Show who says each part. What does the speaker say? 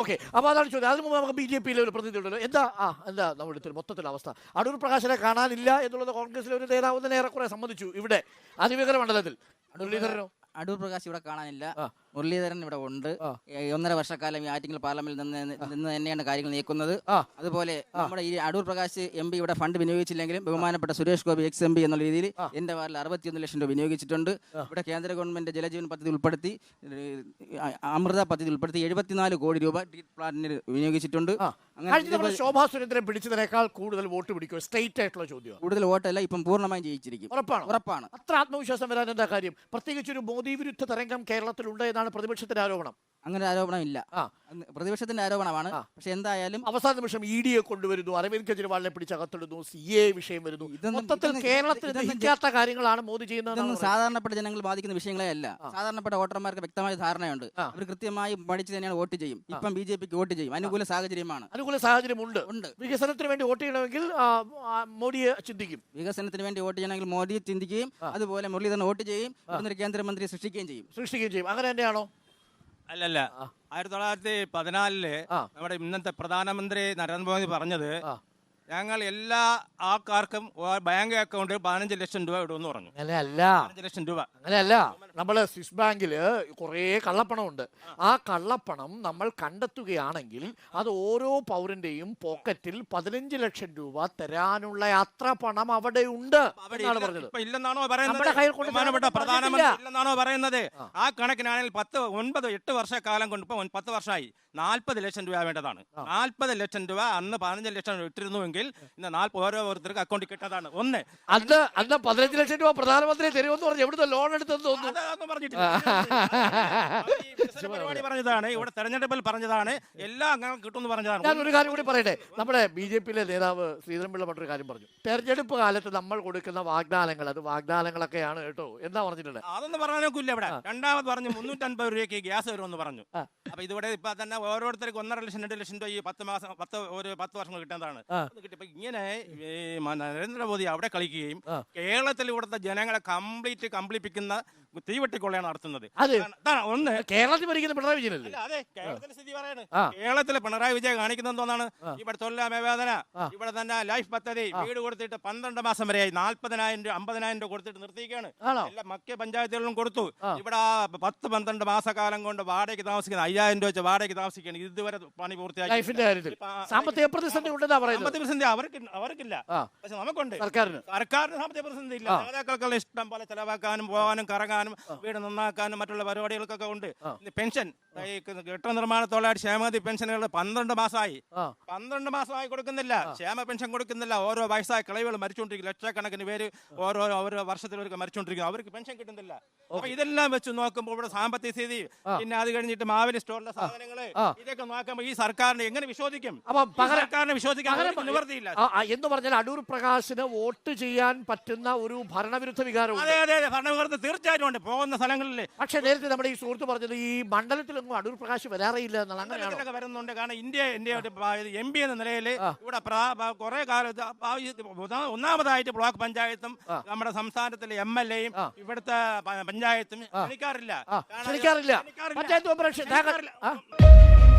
Speaker 1: Okay, അപ്പോൾ അതാണ് ചോദ്യം. അതിന് മുമ്പ് നമുക്ക് ബി.ജെ.പിയിലെ ഒരു പ്രതിനിധി ഉണ്ടല്ലോ. എന്താ നമ്മുടെ മൊത്തത്തിലുള്ള അവസ്ഥ? അടൂർ പ്രകാശിനെ കാണാനില്ല എന്നുള്ളത് കോൺഗ്രസിലെ ഒരു നേതാവ് തന്നെ ഏറെക്കുറെ സമ്മതിച്ചു ഇവിടെ അതിവേഗ മണ്ഡലത്തിൽ. മുരളീധരനോ?
Speaker 2: അടൂർ പ്രകാശ് ഇവിടെ കാണാനില്ല, മുരളീധരൻ ഇവിടെ ഉണ്ട്. 1.5 വർഷക്കാലം ഈ ആറ്റിങ്ങൽ പാർലമെന്റിൽ നിന്ന് തന്നെയാണ് കാര്യങ്ങൾ നീക്കുന്നത്. അതുപോലെ നമ്മുടെ ഈ അടൂർ പ്രകാശ് MP ഇവിടെ ഫണ്ട് വിനിയോഗിച്ചില്ലെങ്കിലും ബഹുമാനപ്പെട്ട സുരേഷ് ഗോപി MP എന്നുള്ള രീതിയിൽ എന്റെ വാർഡിൽ 61 ലക്ഷം രൂപ വിനിയോഗിച്ചിട്ടുണ്ട്. ഇവിടെ കേന്ദ്ര ഗവൺമെന്റ് ജലജീവൻ പദ്ധതി ഉൾപ്പെടുത്തി, അമൃത പദ്ധതി ഉൾപ്പെടുത്തി 74 കോടി രൂപ ട്രീറ്റ് പ്ലാന്റിന് വിനിയോഗിച്ചിട്ടുണ്ട്.
Speaker 1: അങ്ങനെ ശോഭാ സുരേന്ദ്രൻ പിടിച്ചതിനേക്കാൾ കൂടുതൽ വോട്ട് പിടിക്കും സ്ട്രേറ്റ് ആയിട്ടുള്ള ചോദ്യം.
Speaker 2: കൂടുതൽ വോട്ടല്ല, ഇപ്പം പൂർണ്ണമായും ജയിച്ചിരിക്കും. ഉറപ്പാണ്.
Speaker 1: അത്ര ആത്മവിശ്വാസം വരാൻ എന്താ കാര്യം? പ്രത്യേകിച്ച് ഒരു മോദി വിരുദ്ധ തരംഗം കേരളത്തിലുണ്ട് എന്നാണ് പ്രതിപക്ഷത്തിന്റെ ആരോപണം.
Speaker 2: അങ്ങനെ ആരോപണം ഇല്ല, പ്രതിപക്ഷത്തിന്റെ ആരോപണമാണ്. പക്ഷെ എന്തായാലും
Speaker 1: അവസാന നിമിഷം ED കൊണ്ടുവരുന്നു, അരവിന്ദ് കെജ്രിവാളിനെ പിടിച്ചകത്തിടുന്നു, CA വിഷയം വരുന്നു. മൊത്തത്തിൽ കേരളത്തിൽ ദഹിക്കാത്ത കാര്യങ്ങളാണ് മോദി ചെയ്യുന്നത്.
Speaker 2: ഇതൊന്നും സാധാരണപ്പെട്ട ജനങ്ങൾ ബാധിക്കുന്ന വിഷയങ്ങളെ അല്ല. സാധാരണപ്പെട്ട വോട്ടർമാർക്ക് വ്യക്തമായ ധാരണയുണ്ട്. അവർ കൃത്യമായി പഠിച്ച് തന്നെയാണ് വോട്ട് ചെയ്യും. ഇപ്പം BJPക്ക് വോട്ട് ചെയ്യും. അനുകൂല സാഹചര്യമാണ്.
Speaker 1: അനുകൂല സാഹചര്യമുണ്ട്. വികസനത്തിന് വേണ്ടി വോട്ട് ചെയ്യണമെങ്കിൽ മോദിയെ ചിന്തിക്കും.
Speaker 2: വികസനത്തിന് വേണ്ടി വോട്ട് ചെയ്യണമെങ്കിൽ മോദിയെ ചിന്തിക്കുകയും അതുപോലെ മുരളീധരൻ വോട്ട് ചെയ്യും, കേന്ദ്രമന്ത്രിയെ സൃഷ്ടിക്കുകയും ചെയ്യും.
Speaker 1: അങ്ങനെ തന്നെയാണോ?
Speaker 3: അല്ലല്ല, 1914 നമ്മുടെ ഇന്നത്തെ പ്രധാനമന്ത്രി നരേന്ദ്രമോദി പറഞ്ഞത് ഞങ്ങൾ എല്ലാ ആൾക്കാർക്കും ബാങ്ക് അക്കൗണ്ട് 15 ലക്ഷം രൂപ ഇടുമെന്ന് പറഞ്ഞു. 15 ലക്ഷം രൂപ
Speaker 1: അങ്ങനെയല്ല. നമ്മള് സ്വിസ് ബാങ്കിൽ കുറേ കള്ളപ്പണമുണ്ട്. ആ കള്ളപ്പണം നമ്മൾ കണ്ടെത്തുകയാണെങ്കിൽ അത് ഓരോ പൗരന്റെയും പോക്കറ്റിൽ 15 ലക്ഷം രൂപ തരാനുള്ള അത്ര പണം അവിടെ ഉണ്ട് എന്നാണ് പറഞ്ഞത്.
Speaker 3: ഇല്ലെന്നാണോ പറയുന്നത്? പ്രധാനമന്ത്രി ഇല്ലെന്നാണോ പറയുന്നത്? ആ കണക്കിനാണെങ്കിൽ 8 വർഷക്കാലം കൊണ്ട് ഇപ്പൊ 10 വർഷമായി 40 ലക്ഷം രൂപ വേണ്ടതാണ്. 40 ലക്ഷം രൂപ അന്ന് 15 ലക്ഷം ഇട്ടിരുന്നുവെങ്കിൽ ഇന്ന് ഓരോരുത്തർക്ക് അക്കൗണ്ടിൽ കിട്ടതാണ്.
Speaker 1: അന്ന് 15 ലക്ഷം രൂപ പ്രധാനമന്ത്രി തരുമെന്ന് പറഞ്ഞു. എവിടുത്തെ ലോൺ എടുത്തെന്ന് തോന്നുന്നു.
Speaker 3: പരിപാടി പറഞ്ഞതാണ്, ഇവിടെ തെരഞ്ഞെടുപ്പിൽ പറഞ്ഞതാണ്, എല്ലാം അങ്ങനെ കിട്ടുമെന്ന് പറഞ്ഞതാണ്.
Speaker 1: ഞാൻ ഒരു കാര്യം കൂടി പറയട്ടെ. നമ്മുടെ BJPയിലെ നേതാവ് ശ്രീധരൻപിള്ള മറ്റൊരു കാര്യം പറഞ്ഞു. തെരഞ്ഞെടുപ്പ് കാലത്ത് നമ്മൾ കൊടുക്കുന്ന വാഗ്ദാനങ്ങൾ അത് വാഗ്ദാനങ്ങളൊക്കെയാണ് കേട്ടോ എന്നാ പറഞ്ഞിട്ടുണ്ട്.
Speaker 3: അതൊന്നും പറയാനൊക്കില്ല. ഇവിടെ രണ്ടാമത് പറഞ്ഞു 350 രൂപയ്ക്ക് ഗ്യാസ് വരുമെന്ന് പറഞ്ഞു. അപ്പൊ ഇതിവിടെ ഇപ്പൊ തന്നെ ഓരോരുത്തർക്ക് 1.5 ലക്ഷം 2 ലക്ഷം രൂപ ഈ 10 വർഷം കിട്ടുന്നതാണ്. ഇങ്ങനെ നരേന്ദ്രമോദി അവിടെ കളിക്കുകയും കേരളത്തിൽ ഇവിടുത്തെ ജനങ്ങളെ കംപ്ലീപ്പിക്കുന്ന തീവെട്ടിക്കൊള്ളയാണ് നടത്തുന്നത്.
Speaker 1: ഒന്ന് കേരളത്തിൽ ഭരിക്കുന്ന പിണറായി വിജയനല്ലേ?
Speaker 3: അതെ, കേരളത്തിലെ സ്ഥിതി പറയാണ്. കേരളത്തിലെ പിണറായി വിജയൻ കാണിക്കുന്നത് എന്തോന്നാണ്? ഇവിടെ തൊഴിലായ്മ വേതന, ഇവിടെ തന്നെ ലൈഫ് പദ്ധതി വീട് കൊടുത്തിട്ട് 12 മാസം വരെയായി 40,000 രൂപ 50,000 രൂപ കൊടുത്തിട്ട് നിർത്തിയിരിക്കുകയാണ്. എല്ലാ മക്ക പഞ്ചായത്തുകളിലും കൊടുത്തു. ഇവിടെ 10-12 മാസക്കാലം കൊണ്ട് വാടകയ്ക്ക് താമസിക്കുന്ന 5,000 രൂപ വെച്ച് വാടകയ്ക്ക് താമസിക്കുകയാണ്. ഇതുവരെ പണി പൂർത്തിയാക്കി.
Speaker 1: സാമ്പത്തിക പ്രതിസന്ധി
Speaker 3: അവർക്കില്ല, പക്ഷെ നമുക്കുണ്ട്. സർക്കാരിന് സാമ്പത്തിക പ്രതിസന്ധി ഇല്ല. നേതാക്കൾക്കുള്ള ഇഷ്ടം പോലെ ചെലവാക്കാനും പോകാനും കറങ്ങാനും വീട് നന്നാക്കാനും മറ്റുള്ള പരിപാടികൾക്കൊക്കെ ഉണ്ട്. പെൻഷൻ, കെട്ടിട നിർമ്മാണ തൊഴിലാളി ക്ഷേമനിധി പെൻഷനുകൾ 12 മാസമായി കൊടുക്കുന്നില്ല. ക്ഷേമ പെൻഷൻ കൊടുക്കുന്നില്ല. ഓരോ വയസ്സായ കിളവികൾ മരിച്ചുകൊണ്ടിരിക്കും. ലക്ഷക്കണക്കിന് പേര് ഓരോ വർഷത്തിലൊക്കെ മരിച്ചുകൊണ്ടിരിക്കും. അവർക്ക് പെൻഷൻ കിട്ടുന്നില്ല. അപ്പൊ ഇതെല്ലാം വെച്ച് നോക്കുമ്പോൾ ഇവിടെ സാമ്പത്തിക സ്ഥിതി, പിന്നെ അത് കഴിഞ്ഞിട്ട് മാവേലി സ്റ്റോറിലെ സാധനങ്ങള്, ഇതൊക്കെ നോക്കുമ്പോൾ ഈ സർക്കാരിനെ എങ്ങനെ വിശ്വസിക്കും? സർക്കാരിനെ വിശ്വസിക്കാൻ നിവർത്തിയില്ല
Speaker 1: എന്ന് പറഞ്ഞാൽ അടൂർ പ്രകാശിന് വോട്ട് ചെയ്യാൻ പറ്റുന്ന ഒരു ഭരണവിരുദ്ധ വികാരം.
Speaker 3: അതെ, ഭരണവിരുദ്ധ തീർച്ചയായിട്ടും ഉണ്ട് പോകുന്ന സ്ഥലങ്ങളിൽ.
Speaker 1: പക്ഷെ നേരത്തെ നമ്മുടെ ഈ സുഹൃത്ത് പറഞ്ഞത് ഈ മണ്ഡലത്തിലൊന്നും അടൂർ പ്രകാശ് വരാറില്ല എന്നാണ്.
Speaker 3: അങ്ങനെയൊക്കെ വരുന്നുണ്ട്. കാരണം ഇന്ത്യ MP എന്ന നിലയിൽ ഇവിടെ കുറെ കാലത്ത് ഒന്നാമതായിട്ട് ബ്ലോക്ക് പഞ്ചായത്തും നമ്മുടെ സംസ്ഥാനത്തിലെ MLA-യും ഇവിടുത്തെ പഞ്ചായത്തും ക്ഷണിക്കാറില്ല.
Speaker 1: പഞ്ചായത്ത്